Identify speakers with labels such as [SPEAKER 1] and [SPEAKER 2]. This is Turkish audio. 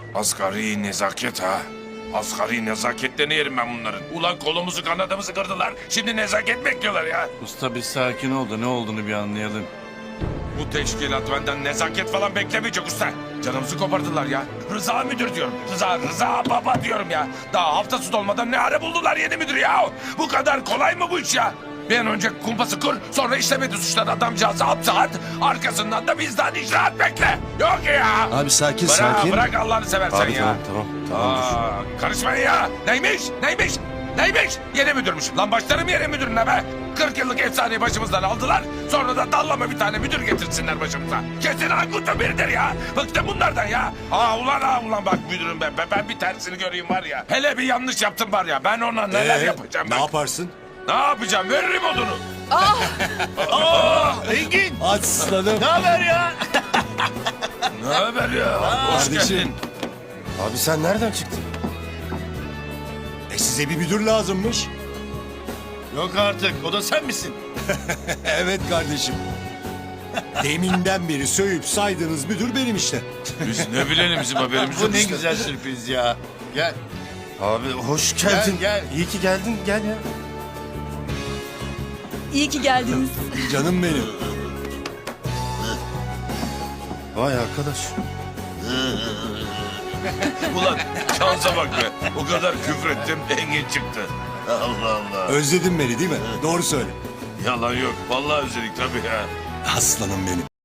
[SPEAKER 1] Asgari nezaket ha. Asgari nezaketlerini yerim ben bunların. Ulan kolumuzu kanadımızı kırdılar. Şimdi nezaket bekliyorlar ya.
[SPEAKER 2] Usta bir sakin ol da ne olduğunu bir anlayalım.
[SPEAKER 1] Bu teşkilat benden nezaket falan beklemeyecek usta. Canımızı kopardılar ya. Rıza müdür diyorum. Rıza baba diyorum ya. Daha haftası dolmadan ne ara buldular yeni müdür ya. Bu kadar kolay mı bu iş ya? Bir an önce kumpası kur, sonra işlemedi suçları adamcağızı hapse at. Arkasından da bizden icraat bekle. Yok ya.
[SPEAKER 3] Abi sakin
[SPEAKER 1] Bırak,
[SPEAKER 3] sakin.
[SPEAKER 1] bırak Allah'ını seversen
[SPEAKER 3] Abi
[SPEAKER 1] ya.
[SPEAKER 3] tamam dur.
[SPEAKER 1] Karışmayın ya. Neymiş? Yeni müdürmüş. Lan başlarım yeni müdürüne be. 40 yıllık efsaneyi başımızdan aldılar. Sonra da dallama bir tane müdür getirsinler başımıza. Kesin Aykut'un biridir ya. Bıktım bunlardan ya. Ulan bak müdürüm ben bir tersini göreyim var ya. Hele bir yanlış yaptım var ya. Ben ona neler yapacağım
[SPEAKER 3] Ne
[SPEAKER 1] ben.
[SPEAKER 3] yaparsın?
[SPEAKER 1] Ne yapacağım? Veririm odunu.
[SPEAKER 2] Engin!
[SPEAKER 3] Aslanım.
[SPEAKER 2] Ne haber ya?
[SPEAKER 1] Ne haber ya? Hoş
[SPEAKER 3] Kardeşim.
[SPEAKER 1] geldin.
[SPEAKER 3] Abi sen nereden çıktın? Size bir müdür lazımmış.
[SPEAKER 2] Yok artık, o da sen misin?
[SPEAKER 3] Evet kardeşim. Deminden beri sövüp saydığınız müdür benim işte.
[SPEAKER 1] Biz ne bilelim bizim haberimiz
[SPEAKER 2] Bu
[SPEAKER 1] yok
[SPEAKER 2] ne
[SPEAKER 1] işte.
[SPEAKER 2] güzel sürpriz ya. Gel.
[SPEAKER 3] Abi hoş geldin.
[SPEAKER 2] Gel.
[SPEAKER 3] İyi ki geldin. Gel ya.
[SPEAKER 4] İyi ki geldiniz.
[SPEAKER 3] Canım benim. Vay arkadaş.
[SPEAKER 1] Ulan şansa bak be. O kadar küfrettim Engin çıktı. Allah Allah.
[SPEAKER 3] Özledin beni değil mi? Doğru söyle.
[SPEAKER 1] Yalan yok. Vallahi özledik tabii ya.
[SPEAKER 3] Aslanım benim.